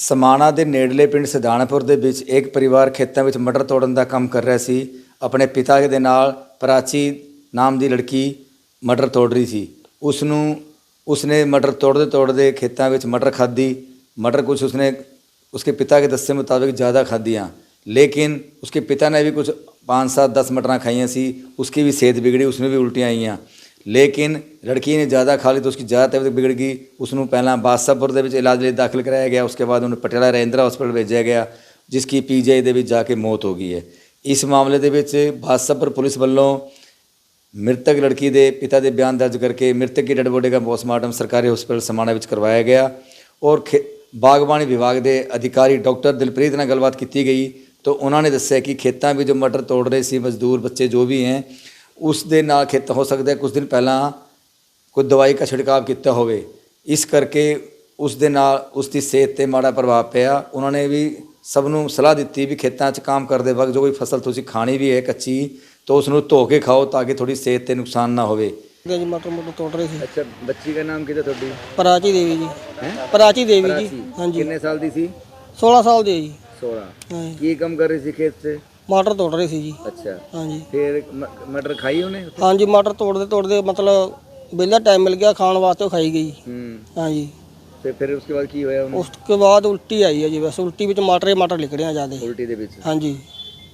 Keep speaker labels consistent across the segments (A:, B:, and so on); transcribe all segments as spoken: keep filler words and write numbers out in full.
A: ਸਮਾਣਾ ਦੇ ਨੇੜਲੇ ਪਿੰਡ ਸਿਧਾਣਪੁਰ ਦੇ ਵਿੱਚ ਇੱਕ ਪਰਿਵਾਰ ਖੇਤਾਂ ਵਿੱਚ ਮਟਰ ਤੋੜਨ ਦਾ ਕੰਮ ਕਰ ਰਿਹਾ ਸੀ। ਆਪਣੇ ਪਿਤਾ ਦੇ ਨਾਲ ਪ੍ਰਾਚੀ ਨਾਮ ਦੀ ਲੜਕੀ ਮਟਰ ਤੋੜ ਰਹੀ ਸੀ। ਉਸ ਨੂੰ ਉਸਨੇ ਮਟਰ ਤੋੜਦੇ ਤੋੜਦੇ ਖੇਤਾਂ ਵਿੱਚ ਮਟਰ ਖਾधी। मटर कुछ उसने उसके पिता के दस्से मुताबिक ज़्यादा खाधियाँ, लेकिन उसके पिता ने भी कुछ पाँच सात दस मटरां खाइयाँ सी। उसकी भी सेहत बिगड़ी, उसमें भी उल्टियाँ आईयाँ। लेकिन लड़की ने ज़्यादा खा ली तो उसकी ज़्यादा तबीयत बिगड़ गई। उसनों पहला बादशाहपुर दे विच इलाज लिए दाखिल कराया गया। उसके बाद उन्हें पटियाला रजिंद्रा हॉस्पिटल भेजा गया, जिसकी पी जी आई दे विच जाके मौत हो गई है। इस मामले दे विच बादशाहपुर पुलिस वालों मृतक लड़की के पिता के बयान दर्ज करके मृतक की डेड बॉडी का पोस्टमार्टम सरकारी हॉस्पिटल समाणा विच करवाया गया। और खे बागबानी विभाग के अधिकारी डॉक्टर दिलप्रीत नाल गलबात की गई तो उन्होंने दस्सिया कि खेतों में जो मटर तोड़ रहे सी मजदूर बच्चे जो भी हैं, उस दे नाल खेत हो सकता है कुछ दिन पहला कोई दवाई का छिड़काव किया होवे, इस करके उस दे नाल उसकी सेहत पर माड़ा प्रभाव पिया। उन्होंने भी सबनों सलाह दी भी खेतों च काम करते वक्त जो कोई फसल तुसीं खानी भी है कच्ची तो उसनों धो के खाओ ताकि थोड़ी सेहत पर नुकसान ना होवे।
B: जी मटर मटर तोड़ रहे थे।
A: अच्छा, बच्ची का नाम कितना थोड़ी?
B: प्राची देवी जी। हैं? प्राची देवी जी। हाँ जी।
A: कितने साल दी सी?
B: सोलह साल दी जी।
A: सोलह। की काम कर रही थी खेत से?
B: मटर तोड़ रही थी जी।
A: अच्छा।
B: हाँ जी।
A: फिर मटर खाई उन्हें?
B: हाँ जी, मटर तोड़ते तोड़ते मतलब बेला टाइम मिल गया खाने वास्ते, खाई गई। हाँ जी।
A: तो फिर उसके बाद की होया?
B: उसके बाद उल्टी आई है जी। बस उल्टी विच मटर मटर निकले हैं ज़्यादा।
A: उल्टी दे विच?
B: हाँ जी।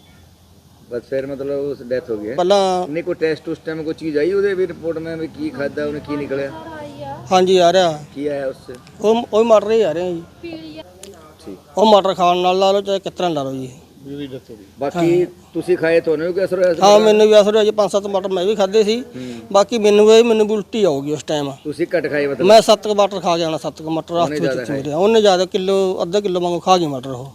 A: बस फिर मतलब उस डेथ हो गई है।
B: पहला
A: नहीं कोई टेस्ट उस टाइम कोई चीज़ आई उधर भी रिपोर्ट में भी की खादा उन्हें की निकला?
B: हाँ जी आ रहा
A: की आया उससे?
B: वो वो मटर ही आ रहे हैं जी।
A: ठीक।
B: वो मटर खाने नाल ला लो चाहे कितना ला लो जी।
A: बाकी तुसी खाए तो नहीं असर होया?
B: हाँ मैंने भी असर होया जी। पाँच सत्त मटर मैं भी खाधे सी। बाकी मैनू भी मैनू भी उल्टी आऊगी उस टाइम।
A: तुसी घट खाए मतलब?
B: मैं सत्त क मटर खा गया ना। सत्त क मटर रात विच मेरे उन्हें ज़्यादा किलो अद्धा किलो वांगू खा गई मटर। वो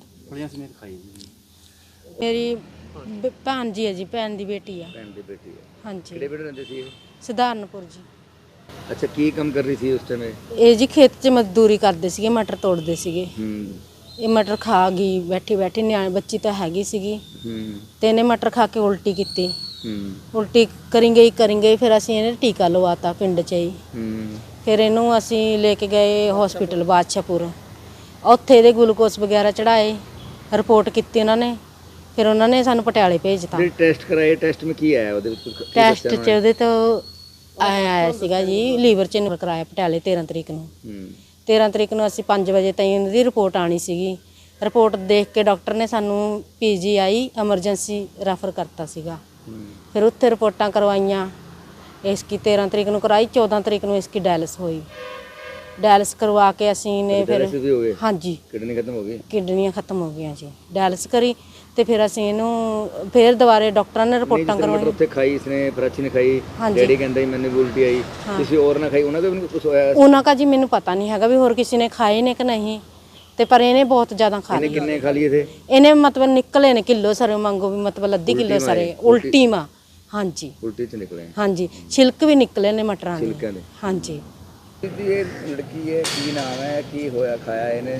C: मेरी भैन जी है जी, भैन दी बेटी है।
A: भैन दी बेटी है।
C: हाँ जी।
A: किहड़े पिंड रहंदे सी?
C: सिधारणपुर जी।
A: अच्छा, की काम कर रही थी उस टाइम?
C: ਇਹ ਜੀ ਖੇਤ 'ਚ ਮਜ਼ਦੂਰੀ ਕਰਦੇ ਸੀਗੇ, ਮਟਰ ਤੋੜਦੇ ਸੀਗੇ।
A: ਹੂੰ।
C: ਇਹ ਮਟਰ ਖਾ ਗਈ ਬੈਠੀ ਬੈਠੀ, ਨਿਆਣੀ ਬੱਚੀ ਤਾਂ ਹੈਗੀ ਸੀਗੀ।
A: ਹੂੰ।
C: ਤੇ ਇਹਨੇ ਮਟਰ ਖਾ ਕੇ ਉਲਟੀ ਕੀਤੀ।
A: ਹੂੰ।
C: ਉਲਟੀ ਕਰੀ ਗਈ ਕਰੀ ਗਈ ਫਿਰ ਅਸੀਂ ਇਹਨੇ ਟੀਕਾ ਲਵਾਤਾ ਪਿੰਡ 'ਚ ਹੀ।
A: ਹੂੰ।
C: ਫਿਰ ਇਹਨੂੰ ਅਸੀਂ ਲੈ ਕੇ ਗਏ ਹਸਪੀਟਲ ਬਾਦਸ਼ਾਹਪੁਰ। ਉੱਥੇ ਇਹਦੇ ਗਲੂਕੋਸ ਵਗੈਰਾ ਚੜਾਏ, ਰਿਪੋਰਟ ਕੀਤੀ ਉਹਨਾਂ ਨੇ। ਫਿਰ ਉਹਨਾਂ ਨੇ ਸਾਨੂੰ ਪਟਿਆਲੇ ਭੇਜਤਾ।
A: ਫਿਰ ਟੈਸਟ ਕਰਾਏ, ਟੈਸਟ ਵਿੱਚ ਕੀ ਆਇਆ ਉਹਦੇ ਵਿੱਚ?
C: ਟੈਸਟ 'ਚ ਉਹਦੇ ਤੋਂ ਆਇਆ ਆਇਆ ਸੀਗਾ ਜੀ ਲੀਵਰ 'ਚ ਨਿਕਲ ਕਰਾਇਆ ਪਟਿਆਲੇ ਤੇਰ੍ਹਾਂ ਤਰੀਕ ਨੂੰ। ਤੇਰ੍ਹਾਂ ਤਰੀਕ ਨੂੰ ਅਸੀਂ ਪੰਜ ਵਜੇ ਤਾਈਂ ਉਹਦੀ ਰਿਪੋਰਟ ਆਣੀ ਸੀਗੀ। ਰਿਪੋਰਟ ਦੇਖ ਕੇ ਡਾਕਟਰ ਨੇ ਸਾਨੂੰ ਪੀ ਜੀ ਆਈ ਐਮਰਜੈਂਸੀ ਰੈਫਰ ਕਰਤਾ ਸੀਗਾ। ਫਿਰ ਉੱਥੇ ਰਿਪੋਰਟਾਂ ਕਰਵਾਈਆਂ। ਇਸकी ਤੇਰ੍ਹਾਂ ਤਰੀਕ ਨੂੰ ਕਰਾਈ, ਚੌਦਾਂ ਤਰੀਕ ਨੂੰ ਇਸकी ਡਾਇਲਿਸ ਹੋਈ। ਡਾਇਲਿਸ ਕਰਵਾ ਕੇ ਅਸੀਂ ਨੇ ਫਿਰ ਹਾਂਜੀ
A: ਕਿਡਨੀ ਖਤਮ ਹੋ ਗਈ,
C: ਕਿਡਨੀਆਂ ਖਤਮ ਹੋ ਗਈਆਂ ਜੀ। ਡਾਇਲਿਸ ਕਰੀ ਤੇ ਫਿਰ ਅਸੀਂ ਇਹਨੂੰ ਫਿਰ ਦੁਬਾਰੇ ਡਾਕਟਰਾਂ ਨੇ ਰਿਪੋਰਟਾਂ ਕਰਵਾਈਆਂ।
A: ਉੱਥੇ ਖਾਈ ਇਸਨੇ, ਪ੍ਰਾਚੀ ਨੇ ਖਾਈ, ਡੈਡੀ ਕਹਿੰਦਾ ਸੀ ਮੈਨੂੰ ਉਲਟੀ ਆਈ, ਕਿਸੇ ਹੋਰ ਨਾ ਖਾਈ, ਉਹਨਾਂ ਦਾ ਵੀ ਕੁਝ ਹੋਇਆ?
C: ਉਹਨਾਂ ਦਾ ਜੀ ਮੈਨੂੰ ਪਤਾ ਨਹੀਂ ਹੈਗਾ ਵੀ ਹੋਰ ਕਿਸੇ ਨੇ ਖਾਏ ਨੇ ਕਿ ਨਹੀਂ, ਤੇ ਪਰ ਇਹਨੇ ਬਹੁਤ ਜ਼ਿਆਦਾ ਖਾ ਲਈ।
A: ਕਿੰਨੇ ਖਾ ਲਈਏ ਥੇ?
C: ਇਹਨੇ ਮਤਲਬ ਨਿਕਲੇ ਨੇ ਕਿਲੋ ਸਾਰੇ ਮੰਗੋ ਵੀ ਮਤਲਬ ਅੱਧੀ ਕਿਲੋ ਸਾਰੇ ਉਲਟੀ ਮਾ। ਹਾਂਜੀ
A: ਉਲਟੀ ਚ ਨਿਕਲੇ।
C: ਹਾਂਜੀ, ਛਿਲਕ ਵੀ ਨਿਕਲੇ ਨੇ ਮਟਰਾਂ ਦੇ।
A: ਛਿਲਕਾਂ ਦੇ?
C: ਹਾਂਜੀ।
A: ਇਹ ਲੜਕੀ ਹੈ, ਕੀ ਨਾਮ ਹੈ, ਕੀ ਹੋਇਆ ਖਾਇਆ ਇਹਨੇ?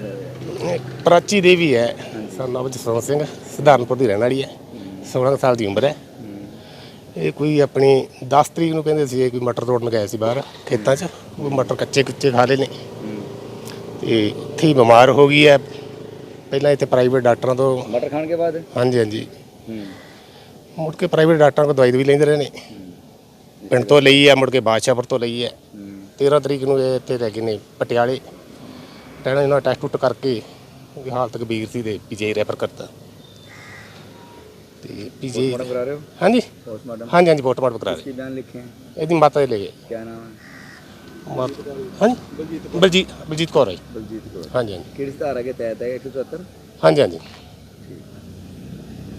D: ਪ੍ਰਾਚੀ ਦੇਵੀ ਹੈ, ਸਾਡਾ ਨਾਮ ਜਸਵੰਤ ਸਿੰਘ, ਸਿਧਾਰਨਪੁਰ ਦੀ ਰਹਿਣ ਵਾਲੀ ਹੈ। ਸੋਲ੍ਹਾਂ ਸਾਲ ਦੀ ਉਮਰ ਹੈ। ਇਹ ਕੋਈ ਆਪਣੀ ਦਸ ਤਰੀਕ ਨੂੰ ਕਹਿੰਦੇ ਸੀ ਕੋਈ ਮਟਰ ਤੋੜਨ ਗਏ ਸੀ ਬਾਹਰ ਖੇਤਾਂ 'ਚ। ਉਹ ਮਟਰ ਕੱਚੇ ਕੁੱਚੇ ਖਾ ਲਏ ਨੇ ਤੇ ਇੱਥੇ ਹੀ ਬਿਮਾਰ ਹੋ ਗਈ ਹੈ। ਪਹਿਲਾਂ ਇੱਥੇ ਪ੍ਰਾਈਵੇਟ ਡਾਕਟਰਾਂ ਤੋਂ
A: ਮਟਰ ਖਾਣ ਕੇ ਬਾਅਦ
D: ਹਾਂਜੀ ਹਾਂਜੀ ਮੁੜ ਕੇ ਪ੍ਰਾਈਵੇਟ ਡਾਕਟਰਾਂ ਕੋਲ ਦਵਾਈ ਵੀ ਲੈਂਦੇ ਰਹੇ ਨੇ। ਪਿੰਡ ਤੋਂ ਲਈ ਹੈ, ਮੁੜ ਕੇ ਬਾਦਸ਼ਾਹਪੁਰ ਤੋਂ ਲਈ ਹੈ। ਤੇਰ੍ਹਾਂ ਤਰੀਕ ਨੂੰ ਇਹ ਇੱਥੇ ਲੈ ਗਏ ਨੇ ਪਟਿਆਲੇ। ਟੈਣਾ ਇਹਨਾਂ ਟੈਸਟ ਟੁੱਟ ਕਰਕੇ ਉਹਦੀ ਹਾਲਤ ਗੰਭੀਰ ਸੀ ਤੇ ਪੀ ਜੀ ਆਈ ਰੈਫਰ ਕਰਤਾ। ਤੇ ਪੀ ਜੀ ਆਈ
A: ਕਰਾ ਰਹੇ ਹੋ?
D: ਹਾਂਜੀ
A: ਪੋਸਟਮਾਰਟਮ? ਹਾਂਜੀ
D: ਹਾਂਜੀ ਪੋਸਟਮਾਰਟਮ ਕਰਾ ਰਹੇ।
A: ਕੀ ਬਿਆਨ ਲਿਖੇ ਹੈ?
D: ਇਹਦੀ ਮਾਤਾ ਦੇ ਲੈ ਗਏ।
A: ਕੀ ਨਾਮ ਹੈ?
D: ਹਾਂਜੀ ਬਲਜੀਤ ਬਲਜੀਤ ਕੌਰ ਹੈ।
A: ਬਲਜੀਤ ਕੌਰ।
D: ਹਾਂਜੀ ਹਾਂਜੀ
A: ਕਿਹੜੀ ਧਾਰਾ ਕੇ ਤਹਿਤ ਹੈ? ਇੱਕ ਸੌ ਸੱਤਰ?
D: ਹਾਂਜੀ ਹਾਂਜੀ।